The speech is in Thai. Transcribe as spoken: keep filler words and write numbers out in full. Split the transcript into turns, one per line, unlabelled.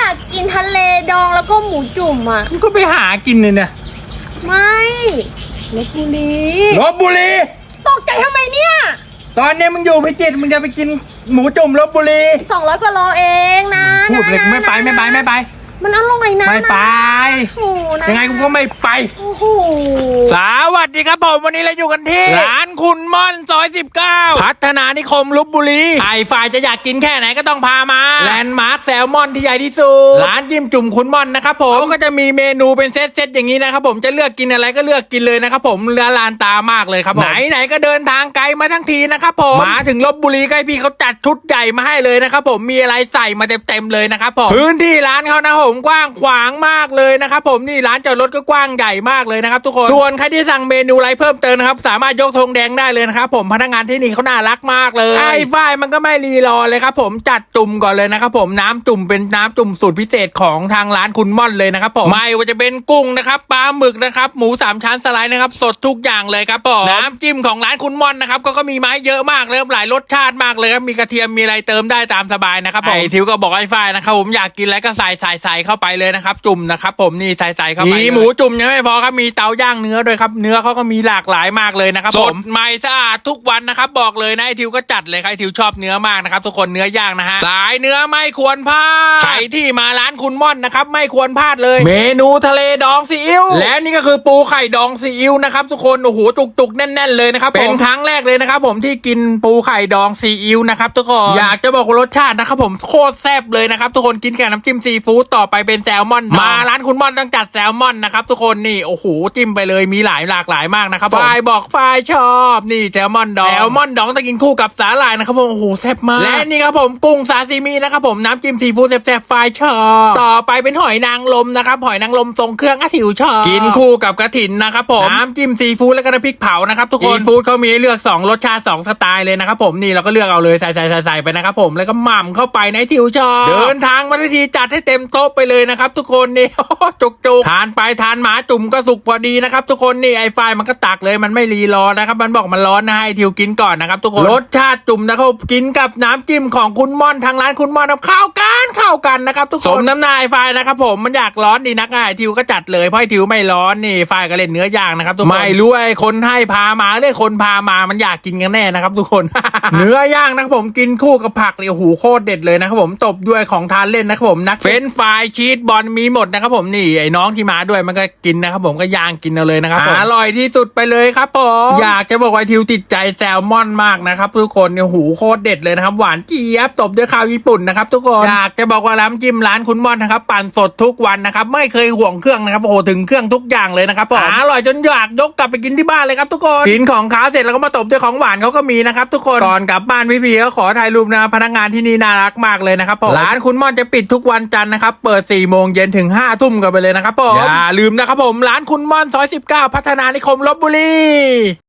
ากกินทะเลดองแล้วก็หมูจุ่มอ่ะ
มึงก็ไปหากินเลยเนี่ย
ไม่ลพบุรี
ลพบุรี
ตกใจทำไมเนี่ย
ตอนนี้มึงอยู่พิจิตรมึงจะไปกินหมูจุ่มลพบุรี
สองร้อยกว่าโลเองนะ
พูดเลยไม่ไปไม่ไปไม่ไป
มันอร่อยนะ
ไม่ไปยังไงกูก็ไม่ไป
โอ้โห
สวัสดีครับผมวันนี้เราอยู่กันที่ร้านคุณม่อนซอยสิบเก้าพัฒนานิคมลพบุรีไอ้ฝ่ายจะอยากกินแค่ไหนก็ต้องพามาแลนด์มาร์คแซลมอนที่ใหญ่ที่สุดร้านจิ้มจุ่มคุณม่อนนะครับผมก็จะมีเมนูเป็นเซตเซตอย่างนี้นะครับผมจะเลือกกินอะไรก็เลือกกินเลยนะครับผมเรือลานตามากเลยครับไหนไหนก็เดินทางไกลมาทั้งทีนะครับผมมาถึงลพบุรีใกล้พี่เขาจัดชุดใหญ่มาให้เลยนะครับผมมีอะไรใส่มาเต็มๆเลยนะครับผมพื้นที่ร้านเขานะผมกว้างขวางมากเลยนะครับผมนี่ร้านจอดรถก็กว้างใหญ่มากเลยนะครับทุกคนส่วนใครที่สั่งเมนูอะไรเพิ่มเติมนะครับสามารถยกธงแดงได้เลยนะครับผมพนักงานที่นี่เขาน่ารักมากเลยไอ้ฝ้ายมันก็ไม่รีรอเลยครับผมจัดจุ่มก่อนเลยนะครับผมน้ำจุ่มเป็นน้ำจุ่มสูตรพิเศษของทางร้านคุณม่อนเลยนะครับผมไม่ว่าจะเป็นกุ้งนะครับปลาหมึกนะครับหมูสามชั้นสไลด์นะครับสดทุกอย่างเลยครับผมน้ำจิ้มของร้านคุณม่อนนะครับก็ก็มีไม้เยอะมากเลยหลายรสชาติมากเลยครับมีกระเทียมมีอะไรเติมได้ตามสบายนะครับผมไอ้ทิวก็บอกไอ้ฝ้ายนะครับผมอยากกินอะไรก็ใส่ใส่ใส่เข้าไปเลยนะครับจุ่มนะครับผมนี่ใส่ใส่เข้าไปมีหมูจุ่มยังไม่พอครับมีเตาย่างเนื้อด้วยครับเนื้อเขาก็มีหลากหลายมากเลยนะครับสดใหม่สะอาดทุกวันนะครับบอกเลยนะไอทิวก็จัดเลยใครทิวชอบเนื้อมากนะครับทุกคนเนื้อย่างนะฮะสายเนื้อไม่ควรพลาดใครที่มาร้านคุณม่อนนะครับไม่ควรพลาดเลยเมนูทะเลดองซีอิ๊วและนี่ก็คือปูไข่ดองซีอิ๊วนะครับทุกคนโอ้โหจุกๆแน่นๆเลยนะครับเป็นครั้งแรกเลยนะครับผมที่กินปูไข่ดองซีอิ๊วนะครับทุกคนอยากจะบอกรสชาตินะครับผมโคตรแซ่บเลยนะครับทุกคนกินกับน้ำจิ้มซีฟู้ดต่อไปเป็นแซลมอนมาร้านคุณม่อนต้องจัดแซลมอนนะครับทุกคนนี่โอ้โหจิ้มไปเลยมีหลายหลากหลายมากนะครับฝ่ายบอกฝ่ายชอบนี่แซลมอนดองแซลมอนดองต้องกินคู่กับสาหร่ายนะครับผมโอ้โหแซ่บมากและนี่ครับผมกุ้งซาซิมินะครับผมน้ำจิ้มซีฟู้ดแซ่บๆฝ่ายชอบต่อไปเป็นหอยนางรมนะครับหอยนางรมทรงเครื่องอาถิวชอบกินคู่กับกระถินนะครับผมน้ำจิ้มซีฟู้ดและก็น้ำพริกเผานะครับทุกคนซีฟู้ดเขามีให้เลือกสองรสชาติสองสไตล์เลยนะครับผมนี่เราก็เลือกเอาเลยใส่ใส่ใส่ใส่ไปนะครับผมแล้วก็หม่ำเข้าไปในถิวชอบเดินทางมาทันทีจัดให้เต็มโต๊ะไปเลยนะครับทุกคนนี่จุกจุกทานไปทานหมาจุ่มก็สุกพอดีนะครับทุกคนนี่ไอไฟมันก็ตักเลยมันไม่รีรอนะครับมันบอกมันร้อนนะให้ทิวกินก่อนนะครับทุกคนรสชาติจุ่มนะครับกินกับน้ำจิ้มของคุณม่อนทางร้านคุณม่อนเข้ากันเข้ากันนะครับทุกคนสมน้ำหน้าไอไฟนะครับผมมันอยากร้อนดีนักไอทิวก็จัดเลยเพราะไอทิวไม่ร้อนนี่ไฟก็เล่นเนื้อย่างนะครับทุกคนไม่รู้ไอคนให้พามาเลยคนพามามันอยากกินกันแน่นะครับทุกคน เนื้อย่างนะครับผมกินคู่กับผักเลยโอ้โหโคตรเด็ดเลยนะครับผมตบด้วยของทานเล่นนะครับผมนักเฟรนช์ฟรายชีสบอลมีหมดนะครับผมนี่ไอ้น้องที่มาด้วยมันก็กินนะครับผมก็ย่างกินเอาเลยนะครับอร่อยที่สุดไปเลยครับผมอยากจะบอกว่าทิวติดใจแซลมอนมากนะครับทุกคนเนี่ยหูโคตรเด็ดเลยนะครับหวานเจี๊ยบตบด้วยข้าวญี่ปุ่นนะครับทุกคนอยากจะบอกว่าร้านจิ้มร้านคุณม่อนนะครับปั่นสดทุกวันนะครับไม่เคยห่วงเครื่องนะครับโอ้โหถึงเครื่องทุกอย่างเลยนะครับผมอร่อยจนอยากยกกลับไปกินที่บ้านเลยครับทุกคนกินของขาวเสร็จแล้วก็มาตบด้วยของหวานเขาก็มีนะครับทุกคนก่อนกลับบ้านพี่พีก็ขอถ่ายรูปนะพนักงานที่นี่น่ารักมากเลยนะครับผมร้านคุณม่อนจะปิดทุกวันจันทร์นะครับเปิดสี่โมงเย็นถึงห้าทุ่มกันไปเลยนะครับผมอย่าลืมนะครับผมร้านคุณม่อนซอยสิบเก้าพัฒนานิคมลพบุรี